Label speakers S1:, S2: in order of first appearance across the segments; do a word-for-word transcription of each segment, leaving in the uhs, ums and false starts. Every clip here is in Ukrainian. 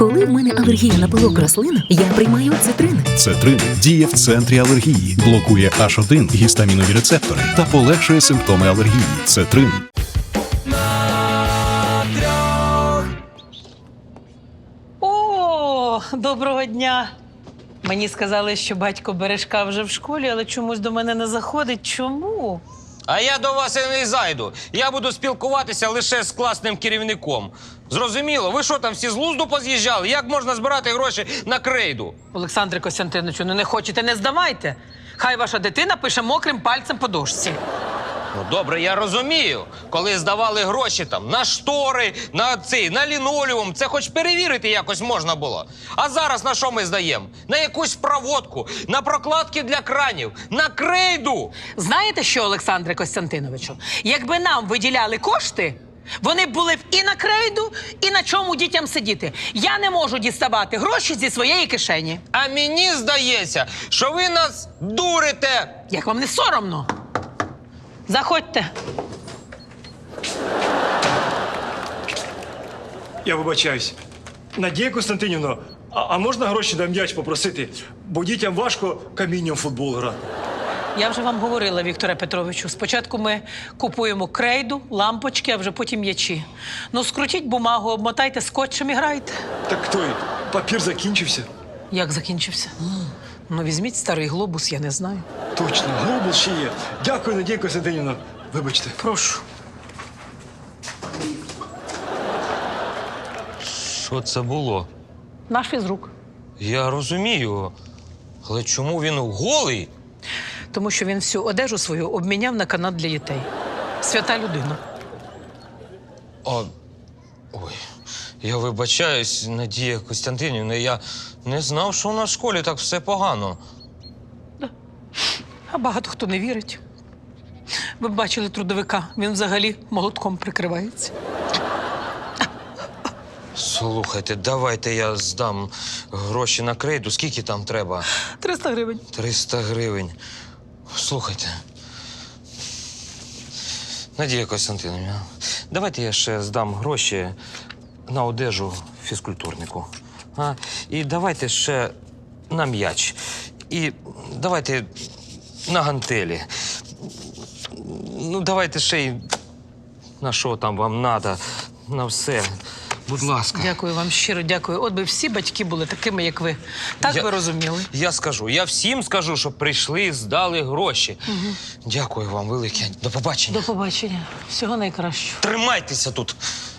S1: Коли в мене алергія на пилок рослин, я приймаю цитрин.
S2: Цетрин діє в центрі алергії, блокує аш один гістамінові рецептори та полегшує симптоми алергії. Цетрин.
S3: О, доброго дня. Мені сказали, що батько Бережка вже в школі, але чомусь до мене не заходить. Чому?
S4: А я до вас і не зайду. Я буду спілкуватися лише з класним керівником. Зрозуміло? Ви що там всі з глузду поз'їжджали? Як можна збирати гроші на крейду?
S3: Олександре Костянтиновичу, ну не хочете, не здавайте. Хай ваша дитина пише мокрим пальцем по дошці.
S4: Ну, добре, я розумію. Коли здавали гроші там на штори, на цей, на лінолеум, це хоч перевірити якось можна було. А зараз на що ми здаємо? На якусь проводку, на прокладки для кранів, на крейду.
S3: Знаєте що, Олександре Костянтиновичу? Якби нам виділяли кошти, вони б були б і на крейду, і на чому дітям сидіти. Я не можу діставати гроші зі своєї кишені.
S4: А мені здається, що ви нас дурите.
S3: Як вам не соромно? Заходьте.
S5: Я вибачаюсь. Надія Костянтинівна, а, а можна гроші на м'яч попросити? Бо дітям важко камінням в футбол грати.
S3: Я вже вам говорила, Вікторе Петровичу. Спочатку ми купуємо крейду, лампочки, а вже потім м'ячі. Ну, скрутіть бумагу, обмотайте скотчем і грайте.
S5: Так той папір закінчився.
S3: Як закінчився? Ну, візьміть старий глобус, я не знаю.
S5: Точно, глобус ще є. Дякую, Надія Костянтинівна. Вибачте.
S3: Прошу.
S4: Що це було?
S3: Наш фізрук.
S4: Я розумію. Але чому він голий?
S3: Тому що він всю одежу свою обміняв на канат для дітей. Свята людина.
S4: А... Ой, я вибачаюсь, Надія Костянтинівна, я не знав, що у нас в школі так все погано.
S3: А багато хто не вірить. Ви б бачили трудовика, він взагалі молотком прикривається.
S4: Слухайте, давайте я здам гроші на крейду. Скільки там треба?
S3: триста гривень.
S4: триста гривень. Слухайте. Надія Костянтинівна, давайте я ще здам гроші на одежу фізкультурнику. А? І давайте ще на м'яч. І давайте на гантелі. Ну, давайте ще й на що там вам треба, на все. Будь ласка.
S3: Дякую вам, щиро дякую. От би всі батьки були такими, як ви. Так
S4: Я-
S3: ви розуміли?
S4: Я скажу, я всім скажу, щоб прийшли і здали гроші. Угу. Дякую вам велике. До побачення.
S3: До побачення. Всього найкращого.
S4: Тримайтеся тут.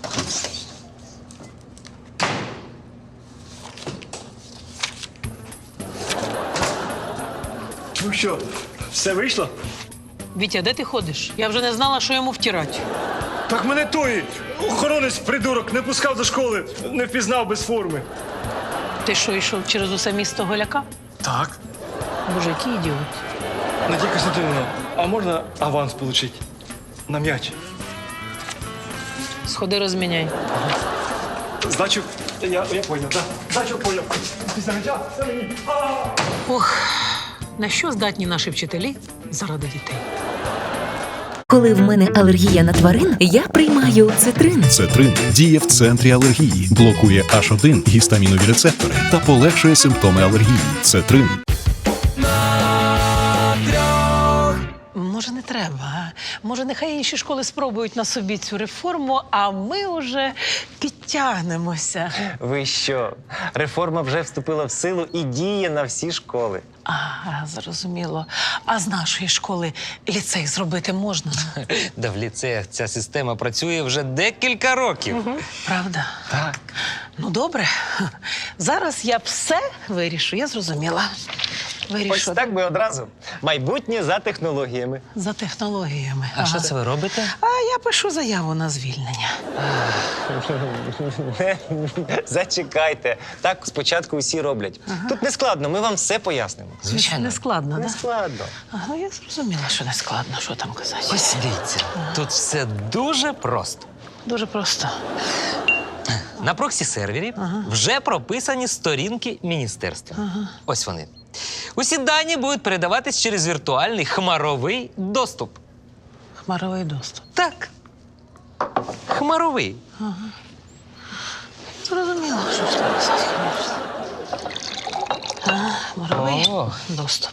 S5: Ну що, все вийшло?
S3: Вітя, де ти ходиш? Я вже не знала, що йому втирати.
S5: Так мене той охоронець придурок не пускав до школи, не впізнав без форми.
S3: Ти що, йшов через усе місто Голяка?
S5: Так.
S3: Боже, який ідіот.
S5: Надія Костянтинівна, а можна аванс отримати? На м'яч.
S3: Сходи, розміняй.
S5: Здачу, я, я поняв, так. Здачу поняв. Після м'яча, все мені. А!
S3: Ох, на що здатні наші вчителі заради дітей?
S1: Коли в мене алергія на тварин, я приймаю цитрин.
S2: Цетрин діє в центрі алергії, блокує аш один гістамінові рецептори та полегшує симптоми алергії. Цетрин.
S3: Може, не треба, а? Може, нехай інші школи спробують на собі цю реформу, а ми вже підтягнемося.
S6: Ви що? Реформа вже вступила в силу і діє на всі школи.
S3: Ага, зрозуміло. А з нашої школи ліцей зробити можна?
S4: Да в ліцеях ця система працює вже декілька років.
S3: Угу. Правда?
S6: Так.
S3: Ну, добре. Зараз я все вирішу, я зрозуміла. Вирішу.
S6: Ось так би одразу. Майбутнє за технологіями.
S3: За технологіями.
S4: А що це ви робите?
S3: А я пишу заяву на звільнення.
S6: Зачекайте. Так спочатку усі роблять. Тут не складно, ми вам все пояснимо.
S3: Не складно,
S6: Не
S3: так?
S6: складно.
S3: Ага, я зрозуміла, що не складно, що там казати.
S4: Ось дивіться, тут все дуже просто.
S3: Дуже просто.
S4: На проксі-сервері вже прописані сторінки міністерства. Ось вони. Усі дані будуть передаватись через віртуальний хмаровий доступ.
S3: Хмаровий доступ.
S4: Так. Хмаровий.
S3: зрозуміло, що ж там писати, звісно. А, Моровий
S4: О.
S3: доступ.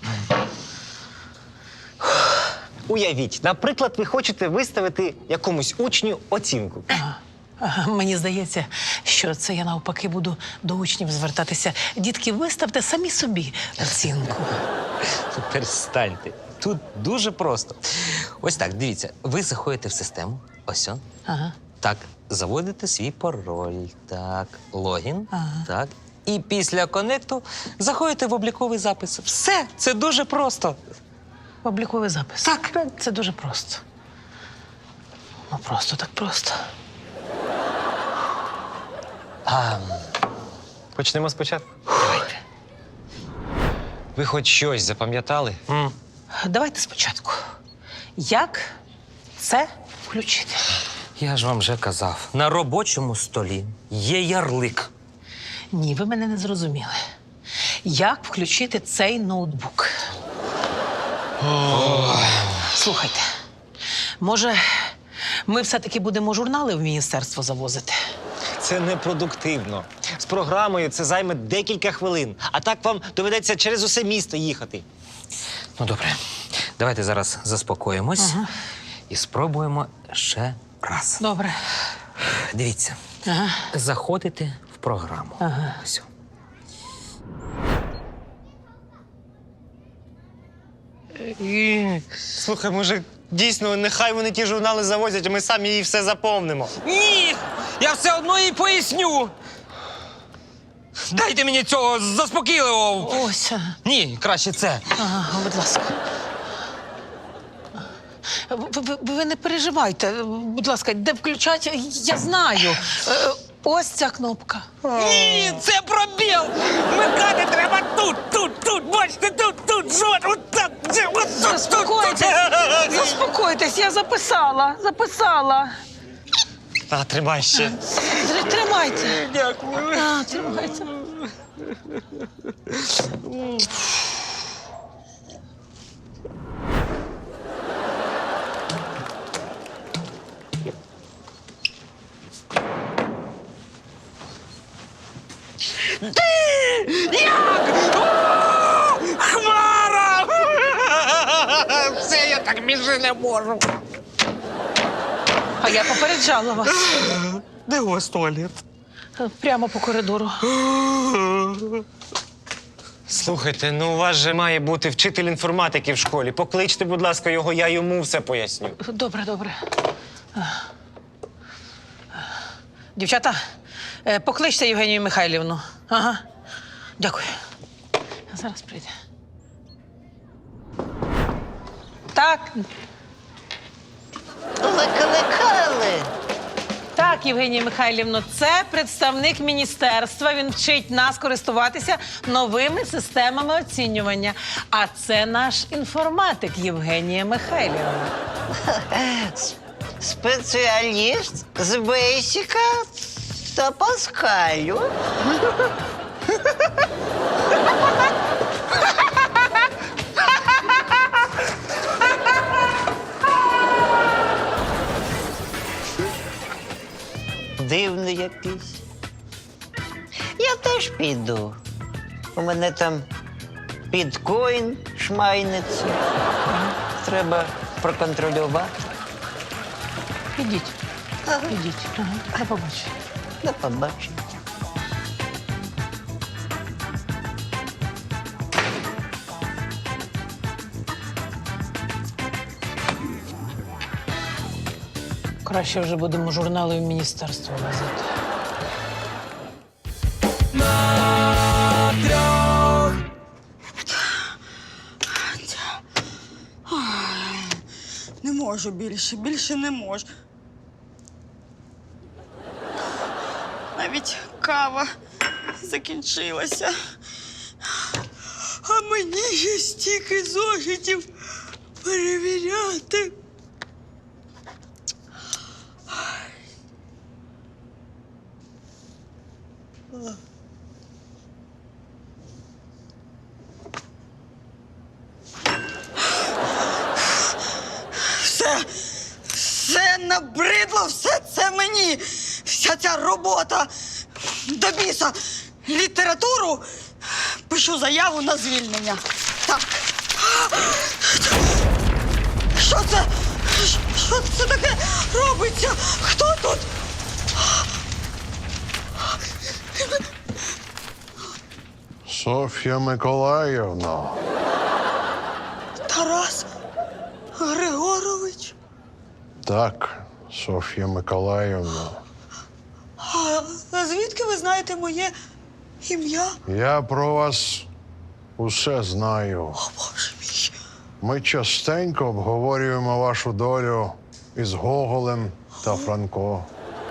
S6: Уявіть, наприклад, ви хочете виставити якомусь учню оцінку.
S3: Ага, мені здається, що це я навпаки буду до учнів звертатися. Дітки, виставте самі собі оцінку.
S4: Перестаньте. Тут дуже просто. Ось так, дивіться, ви заходите в систему, ось он.
S3: Ага.
S4: Так, заводите свій пароль, так, логін,
S3: Ага.
S4: так. І після конекту заходите в обліковий запис. Все, це дуже просто.
S3: Обліковий запис. Так. Це дуже просто. Ну, просто так просто.
S6: А, почнемо спочатку. Давайте. Ви хоч щось запам'ятали?
S4: М.
S3: Давайте спочатку. Як це включити?
S4: Я ж вам вже казав, на робочому столі є ярлик.
S3: Ні, ви мене не зрозуміли. Як включити цей ноутбук? Слухайте, може, ми все-таки будемо журнали в міністерство завозити?
S6: Це непродуктивно. З програмою це займе декілька хвилин. А так вам доведеться через усе місто їхати.
S4: Ну, добре, давайте зараз заспокоїмось і спробуємо ще раз.
S3: Добре.
S4: Дивіться,
S3: Ага.
S4: заходите в програму.
S3: Ага.
S4: Ось.
S6: Слухай, може, дійсно, нехай вони ті журнали завозять, а ми самі їй все заповнимо.
S4: Ні! Я все одно їй поясню. Дайте мені цього заспокійливого.
S3: Ось. ага.
S4: Ні, краще це.
S3: Ага, будь ласка. Ви, ви, ви не переживайте. Будь ласка, де включати, я знаю. Е, Ось ця кнопка.
S4: Ні, це пробіл! Вмикати треба тут, тут, тут, бачите, тут, тут, жод, от так, це, от тут, тут,
S3: Заспокойтесь,
S4: тут.
S3: заспокойтесь, я записала, записала.
S6: А, тримай ще.
S3: Тр- Тримайте. Дякую. А, тримайте.
S4: Хмара! Все, я так більше не можу.
S3: А я попереджала вас.
S4: Де у вас туалет?
S3: Прямо по коридору.
S6: Слухайте, ну у вас же має бути вчитель інформатики в школі. Покличте, будь ласка, його, я йому все поясню.
S3: Добре, добре. Дівчата, е, покличте Євгенію Михайлівну. Ага. Дякую. Зараз прийде. Так.
S7: Викликали.
S3: Так, Євгенія Михайлівно, це представник міністерства. Він вчить нас користуватися новими системами оцінювання. А це наш інформатик Євгенія Михайлівна.
S7: Спеціаліст з Бейсіка та Паскалю. Дивний якийсь. Я теж піду. У мене там біткоін шмайниться. Треба проконтролювати.
S3: Ідіть. Ідіть. Ага. До побачення.
S7: До побачення.
S3: Краще вже будемо журнали в міністерство возити.
S8: Не можу більше, більше не можу. Навіть кава закінчилася. А мені ще стільки зошитів перевіряти. Все, все набридло, все це мені. Вся ця робота. до біса літературу, пишу заяву на звільнення. Так. Що це? Що це таке робиться? Хто тут?
S9: Соф'я Миколаївна.
S8: Тарас Григорович?
S9: Так, Соф'я Миколаївна.
S8: А звідки ви знаєте моє ім'я?
S9: Я про вас усе знаю.
S8: О, Боже мій.
S9: Ми частенько обговорюємо вашу долю із Гоголем та Франко.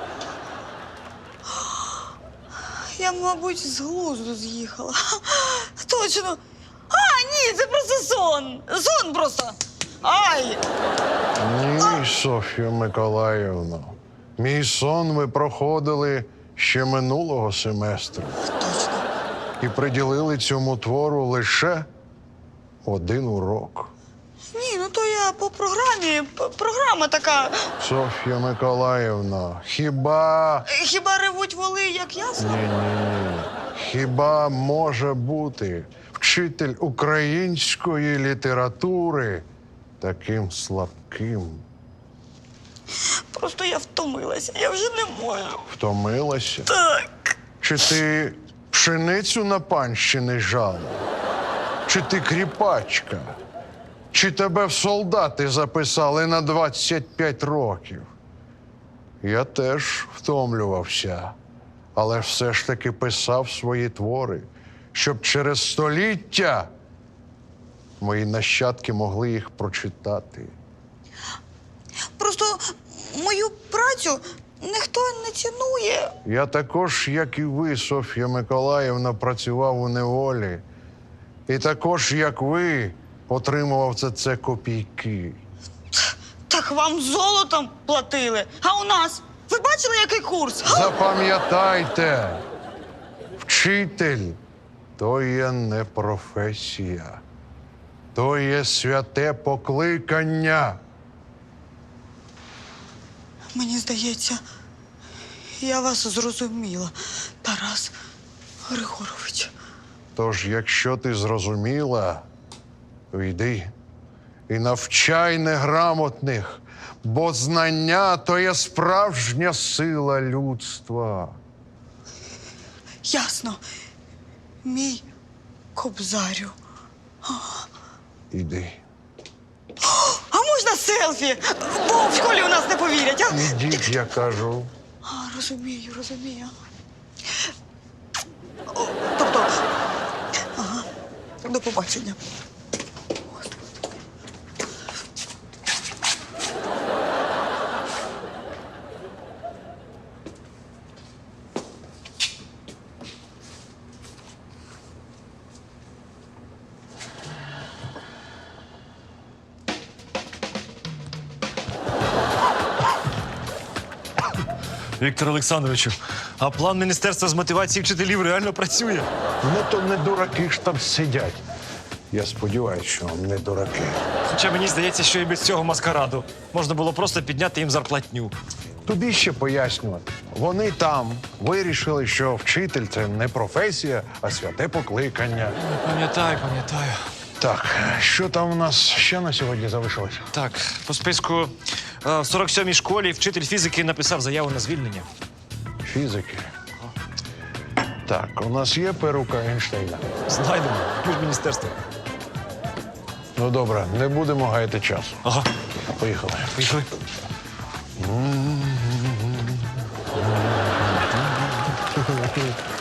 S8: Я, мабуть, з глузду з'їхала. Точно. А, ні, це просто сон. Сон просто. Ай!
S9: Ні, Соф'я Миколаївна. Мій сон ви проходили ще минулого семестру.
S8: Точно.
S9: І приділили цьому твору лише один урок.
S8: Ні, ну то я по програмі. П- Програма така.
S9: Соф'я Миколаївна, хіба.
S8: Е, Хіба ревуть воли, як ясно?
S9: Ні-ні-ні. Хіба може бути вчитель української літератури таким слабким?
S8: Просто я втомилася. Я вже не можу.
S9: Втомилася?
S8: Так.
S9: Чи ти пшеницю на панщини жала? Чи ти кріпачка? Чи тебе в солдати записали на двадцять п'ять років? Я теж втомлювався, але все ж таки писав свої твори, щоб через століття мої нащадки могли їх прочитати.
S8: Просто мою працю ніхто не цінує.
S9: Я також, як і ви, Соф'я Миколаївна, працював у неволі. І також, як ви, отримував за це копійки.
S8: Так вам золотом платили. А у нас? Ви бачили, який курс?
S9: Запам'ятайте, вчитель то є не професія, то є святе покликання.
S8: Мені здається, я вас зрозуміла, Тарас Григорович.
S9: Тож, якщо ти зрозуміла, то йди і навчай неграмотних, бо знання то є справжня сила людства.
S8: Ясно. Мій кобзарю.
S9: Іди.
S8: А можна селфі? Бо в школі у нас не повірять, а?
S9: Ідіть, я кажу.
S8: А, розумію, розумію. О, тобто, ага, до побачення.
S5: Віктор Олександровичу, а план Міністерства з мотивації вчителів реально працює?
S9: Ну, то не дураки ж там сидять. Я сподіваюся, що не дураки.
S5: Хоча мені здається, що і без цього маскараду можна було просто підняти їм зарплатню.
S9: Тобі ще пояснювати. Вони там вирішили, що вчитель – це не професія, а святе покликання.
S5: Пам'ятаю, пам'ятаю.
S9: Так, що там у нас ще на сьогодні залишилось?
S5: Так, по списку е, в сорок сьомій школі вчитель фізики написав заяву на звільнення.
S9: Фізики. Так, у нас є перука Ейнштейна.
S5: Знайдемо. Ми ж міністерство.
S9: Ну, добре, не будемо гаяти часу.
S5: Ага.
S9: Поїхали.
S5: Поїхали.
S9: Поїхали.